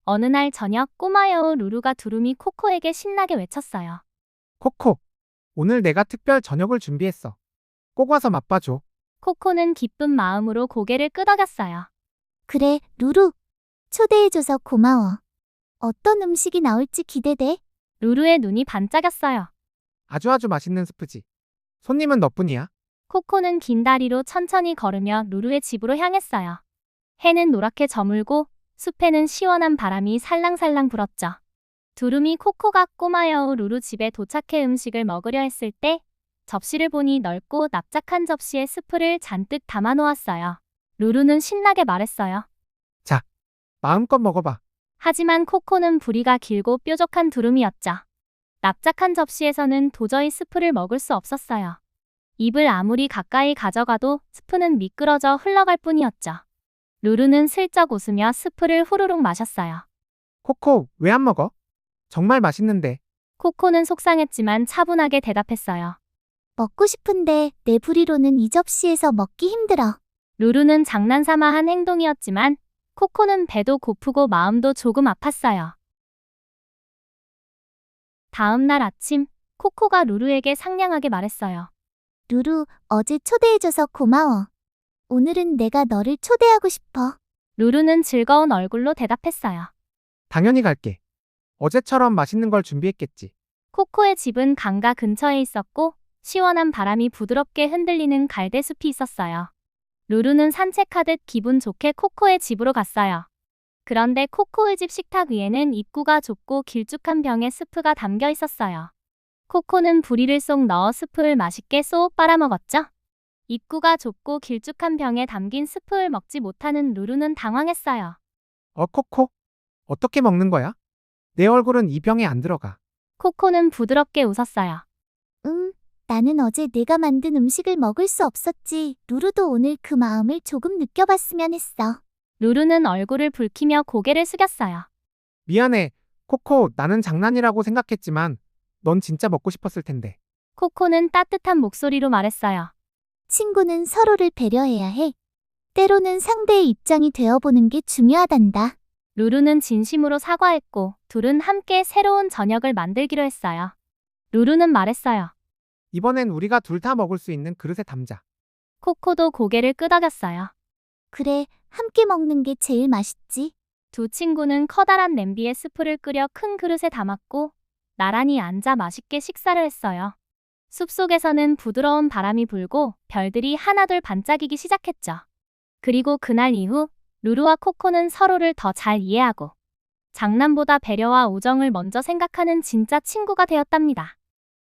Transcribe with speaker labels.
Speaker 1: 어느 날 저녁 꼬마 여우 루루가 두루미 코코에게 신나게 외쳤어요.
Speaker 2: 코코, 오늘 내가 특별 저녁을 준비했어. 꼭 와서 맛봐줘.
Speaker 1: 코코는 기쁜 마음으로 고개를 끄덕였어요.
Speaker 3: 그래, 루루. 초대해줘서 고마워. 어떤 음식이 나올지 기대돼.
Speaker 1: 루루의 눈이 반짝였어요.
Speaker 2: 아주 맛있는 스프지. 손님은 너뿐이야.
Speaker 1: 코코는 긴 다리로 천천히 걸으며 루루의 집으로 향했어요. 해는 노랗게 저물고 숲에는 시원한 바람이 살랑살랑 불었죠. 두루미 코코가 꼬마 여우 루루 집에 도착해 음식을 먹으려 했을 때 접시를 보니 넓고 납작한 접시에 스프를 잔뜩 담아 놓았어요. 루루는 신나게 말했어요.
Speaker 2: 자, 마음껏 먹어봐.
Speaker 1: 하지만 코코는 부리가 길고 뾰족한 두루미였죠. 납작한 접시에서는 도저히 스프를 먹을 수 없었어요. 입을 아무리 가까이 가져가도 스프는 미끄러져 흘러갈 뿐이었죠. 루루는 슬쩍 웃으며 스프를 후루룩 마셨어요.
Speaker 2: 코코, 왜 안 먹어? 정말 맛있는데.
Speaker 1: 코코는 속상했지만 차분하게 대답했어요.
Speaker 3: 먹고 싶은데 내 부리로는 이 접시에서 먹기 힘들어.
Speaker 1: 루루는 장난삼아 한 행동이었지만 코코는 배도 고프고 마음도 조금 아팠어요. 다음 날 아침, 코코가 루루에게 상냥하게 말했어요.
Speaker 3: 루루, 어제 초대해줘서 고마워. 오늘은 내가 너를 초대하고 싶어.
Speaker 1: 루루는 즐거운 얼굴로 대답했어요.
Speaker 2: 당연히 갈게. 어제처럼 맛있는 걸 준비했겠지.
Speaker 1: 코코의 집은 강가 근처에 있었고 시원한 바람이 부드럽게 흔들리는 갈대숲이 있었어요. 루루는 산책하듯 기분 좋게 코코의 집으로 갔어요. 그런데 코코의 집 식탁 위에는 입구가 좁고 길쭉한 병에 스프가 담겨 있었어요. 코코는 부리를 쏙 넣어 스프를 맛있게 쏙 빨아먹었죠. 입구가 좁고 길쭉한 병에 담긴 스프를 먹지 못하는 루루는 당황했어요.
Speaker 2: 코코? 어떻게 먹는 거야? 내 얼굴은 이 병에 안 들어가.
Speaker 1: 코코는 부드럽게 웃었어요.
Speaker 3: 나는 어제 내가 만든 음식을 먹을 수 없었지. 루루도 오늘 그 마음을 조금 느껴봤으면 했어.
Speaker 1: 루루는 얼굴을 붉히며 고개를 숙였어요.
Speaker 2: 미안해. 코코, 나는 장난이라고 생각했지만 넌 진짜 먹고 싶었을 텐데.
Speaker 1: 코코는 따뜻한 목소리로 말했어요.
Speaker 3: 친구는 서로를 배려해야 해. 때로는 상대의 입장이 되어보는 게 중요하단다.
Speaker 1: 루루는 진심으로 사과했고 둘은 함께 새로운 저녁을 만들기로 했어요. 루루는 말했어요.
Speaker 2: 이번엔 우리가 둘 다 먹을 수 있는 그릇에 담자.
Speaker 1: 코코도 고개를 끄덕였어요.
Speaker 3: 그래, 함께 먹는 게 제일 맛있지.
Speaker 1: 두 친구는 커다란 냄비에 스프를 끓여 큰 그릇에 담았고 나란히 앉아 맛있게 식사를 했어요. 숲속에서는 부드러운 바람이 불고 별들이 하나둘 반짝이기 시작했죠. 그리고 그날 이후 루루와 코코는 서로를 더 잘 이해하고 장난보다 배려와 우정을 먼저 생각하는 진짜 친구가 되었답니다.